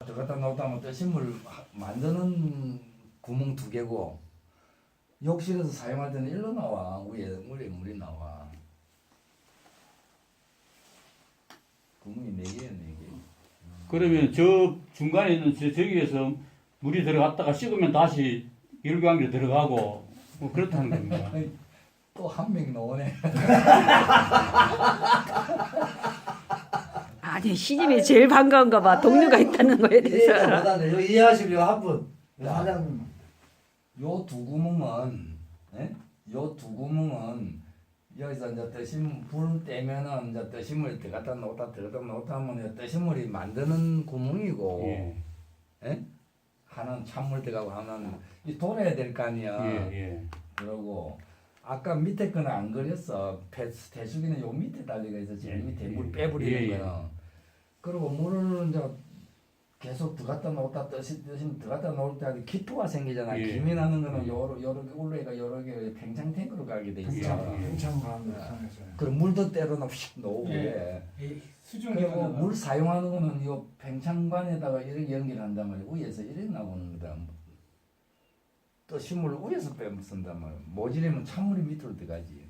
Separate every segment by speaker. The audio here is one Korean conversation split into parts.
Speaker 1: 들어갔다 나왔다 하면 뜨신물 만드는 구멍 2개고 욕실에서 사용할 때는 일로 나와. 위에 물이 나와. 구멍이 4개야 4개.
Speaker 2: 그러면 저 중간에 있는 저기에서 물이 들어갔다가 식으면 다시 열광기로 들어가고 뭐 그렇다는 겁니다.
Speaker 1: 또 한 명 나오네.
Speaker 3: 아니 시집이 제일 반가운가 봐. 동료가 있다는 거에 대해서.
Speaker 4: 이해보다는 이거 이해하시려 한 분. 사장님.
Speaker 1: 요 2구멍은 요 2구멍은 여기서 이제 뜨신 불 떼면은 이제 뜨신물이 들어갔다 나왔다 하면 뜨신물이 만드는 구멍이고
Speaker 2: 예.
Speaker 1: 하나는 찬물 들어가고 하나는 이 돌아야 될 거 아니야.
Speaker 2: 예.
Speaker 1: 그러고 아까 밑에 거는 안 그렸어. 대수기는 요 밑에 달리가 있어. 제일 밑에 물 빼버리는 거는. 그리고 물을 이제 계속 들어갔다 나왔다 뜨시면 들어갔다 나올 때 기포가 생기잖아.
Speaker 2: 예.
Speaker 1: 김이 나는 거는 여러 올레가 여러 개 팽창 탱크로 가게 돼 있어.
Speaker 4: 평창가는 상했어요.
Speaker 1: 그럼 물도 때로는 휙 놓고
Speaker 5: 예.
Speaker 1: 그래.
Speaker 5: 수중
Speaker 1: 그리고 물 사용하는 거는 요 팽창관에다가 이렇게 연결한단 말이야. 위에서 이렇게 나오는 거다. 또 식물을 위에서 빼면 쓴단 말이야. 모질이면 찬물이 밑으로 들어가지.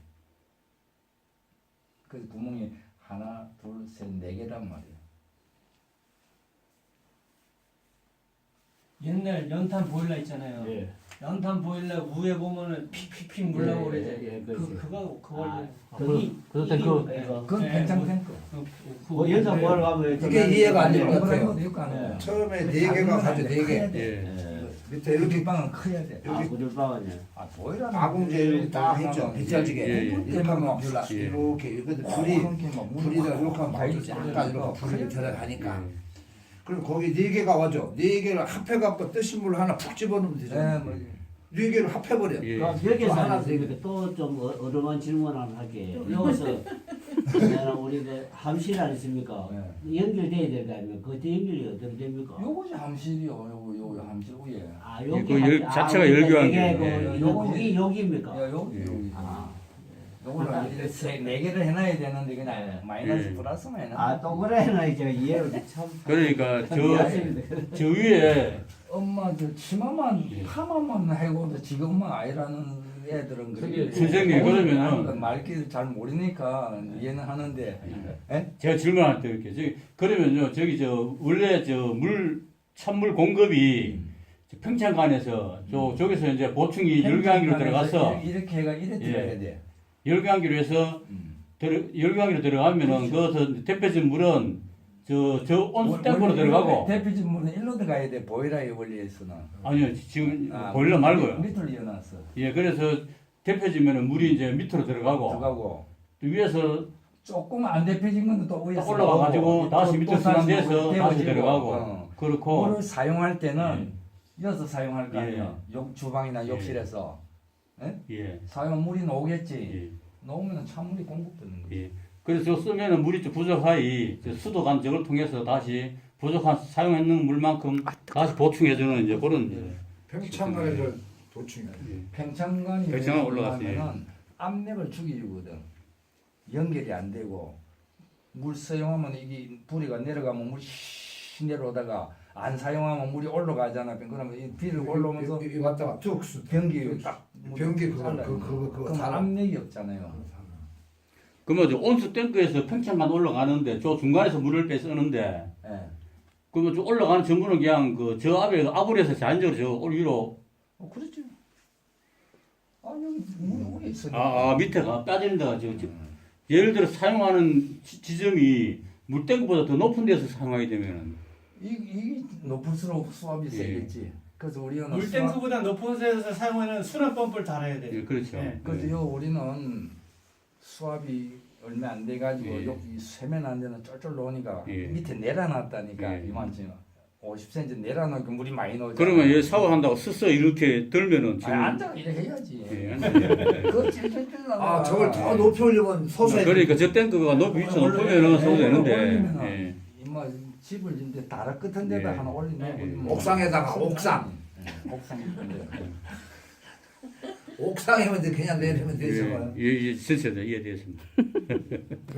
Speaker 1: 그래서 구멍이 하나, 둘, 셋, 4개란 말이야.
Speaker 5: 옛날 연탄 보일러 있잖아요.
Speaker 2: 예.
Speaker 5: 연탄 보일러 위에 보면은 픽픽픽 물 나오고 그러지. 그걸
Speaker 2: 그거 탱크.
Speaker 1: 그건 팽창 탱크.
Speaker 6: 뭐 연산 보러 가면
Speaker 4: 이게 이해가 안 되는 것 같아요.
Speaker 1: 그런 것도 하는 거야.
Speaker 4: 처음에 4개가 가지고 4개.
Speaker 2: 예.
Speaker 4: 밑에
Speaker 1: 이렇게
Speaker 4: 이렇게
Speaker 1: 방은 커야 돼.
Speaker 6: 아 구들방은요.
Speaker 1: 아 보이라는
Speaker 4: 아궁제 이렇게 딱 있죠. 빗자지게.
Speaker 2: 예, 예.
Speaker 4: 이렇게 하면
Speaker 2: 예.
Speaker 4: 이렇게 이렇게 불이 다 이렇게 하면 약간 이렇게 불이 들어가니까. 그럼 거기 4개가 와죠. 4개를 합해갖고 뜨신 물 하나 푹 집어넣으면 되잖아요.
Speaker 1: 뭐
Speaker 4: 4개를 합해버려.
Speaker 2: 예.
Speaker 6: 여기서
Speaker 4: 하나
Speaker 6: 하나 또좀 어려운 질문 하나 할게요. 여기서 우리 그 함실 아니십니까? 연결돼야 될 거 아닙니까? 그때 연결이 어떻게 됩니까?
Speaker 1: 요것이 함실이요. 요 함실 위에.
Speaker 6: 아
Speaker 2: 예,
Speaker 6: 여기
Speaker 2: 그 자체가 열교환기.
Speaker 6: 이게
Speaker 1: 요거
Speaker 6: 거기 여기입니까?
Speaker 1: 야, 여기.
Speaker 6: 아,
Speaker 1: 요거를 이렇게 4개를 해놔야 되는데 그냥 마이너스
Speaker 2: 예.
Speaker 1: 플러스만 해놔.
Speaker 6: 아 동그라미나 이제 이해를 참.
Speaker 2: 그러니까 저 위에
Speaker 1: 엄마 저 치마만 파마만 해고도 지금만 아이라는 애들은 그래.
Speaker 2: 선생님, 그러면은
Speaker 1: 말귀를 잘 모르니까 이해는 하는데.
Speaker 2: 제가 질문할 때 이렇게 그러면요 저기 원래 찬물 공급이 평창관에서 저기서 이제 보충이 열강기로 들어가서
Speaker 1: 이렇게 해가 이래 들어가야 돼.
Speaker 2: 열강기로 해서 열강기로 들어가면은 그 대표적인 물은 저 온수 탱크로 들어가고
Speaker 1: 대표적 물은 일로 들어가야 돼. 보이라의 원리에서는.
Speaker 2: 아니요 지금 보일러 말고요.
Speaker 1: 밑으로 이어놨어.
Speaker 2: 예 그래서 대표지면은 물이 이제 밑으로 들어가고 또 위에서
Speaker 1: 조금 안 대표진 건데 또 위에서
Speaker 2: 올라가가지고 다시 밑으로 순환돼서 다시 들어가고 그렇고
Speaker 1: 물을 사용할 때는 이어서 사용할 거 아니야. 주방이나
Speaker 2: 예.
Speaker 1: 욕실에서
Speaker 2: 예.
Speaker 1: 사용 물이 나오겠지.
Speaker 2: 예.
Speaker 1: 나오면 찬물이 공급되는 거지.
Speaker 2: 예. 그래서 쓰면은 물이 좀 부족하이 수도 간접을 통해서 다시 부족한 사용했는 물만큼 다시 보충해주는 이제 그런
Speaker 4: 평창가에서 도충이야.
Speaker 1: 팽창관이
Speaker 2: 팽창관 올라갔어요.
Speaker 1: 올라가면은 압력을 죽이거든. 연결이 안 되고 물 사용하면 이게 불이가 내려가면 물이 씩 내려오다가 안 사용하면 물이 올라가잖아. 그러면 이 비를 올라오면서
Speaker 4: 이 왔다가 툭
Speaker 1: 변기 딱
Speaker 4: 변기 그거
Speaker 1: 그럼 압력이 없잖아요.
Speaker 2: 그러면 저 온수 탱크에서 평창관 올라가는데 저 중간에서 물을 빼 쓰는데
Speaker 1: 예.
Speaker 2: 그러면 저 올라가는 전부는 그냥 저 앞에 아불에서 자연적으로 저 위로
Speaker 1: 그렇지. 아 여기 물이 있으니까.
Speaker 2: 밑에가 빠지는 데가 예를 들어 사용하는 지점이 물탱크보다 더 높은 데서 사용하게 되면은
Speaker 1: 이게 높을수록 수압이 세겠지. 그래서 우리는
Speaker 5: 물탱크보다 높은 데서 사용하는 순환 펌프를 달아야 돼.
Speaker 2: 예, 그렇죠.
Speaker 5: 예.
Speaker 1: 그래서 우리는 수압이 얼마 안 돼가지고
Speaker 2: 예.
Speaker 1: 여기 쇠면 안 되는 쫄쫄 나오니까
Speaker 2: 예.
Speaker 1: 밑에 내려놨다니까
Speaker 2: 예.
Speaker 1: 이만큼 50cm 내려놓으니까 물이 많이 나오잖아.
Speaker 2: 그러면 얘 샤워한다고 스스 이렇게 들면은 지금
Speaker 1: 앉아 이렇게 해야지.
Speaker 2: 예, 앉아요.
Speaker 1: 그거 찔찔찔 나가.
Speaker 4: 저걸 더 높이 올리면 서서히.
Speaker 2: 그러니까 저 탱크가 높이 위치 높으면은 써도 되는데
Speaker 1: 올리면은
Speaker 2: 예.
Speaker 1: 이마 집을 짓는데 다락 끝한 데다
Speaker 2: 예.
Speaker 1: 하나 올리면
Speaker 2: 예.
Speaker 4: 옥상에다가 옥상.
Speaker 1: 옥상 있던데.
Speaker 4: 옥상이면 그냥 내리면 되죠.
Speaker 2: 예, 예, 예, 전체다 이해되었습니다.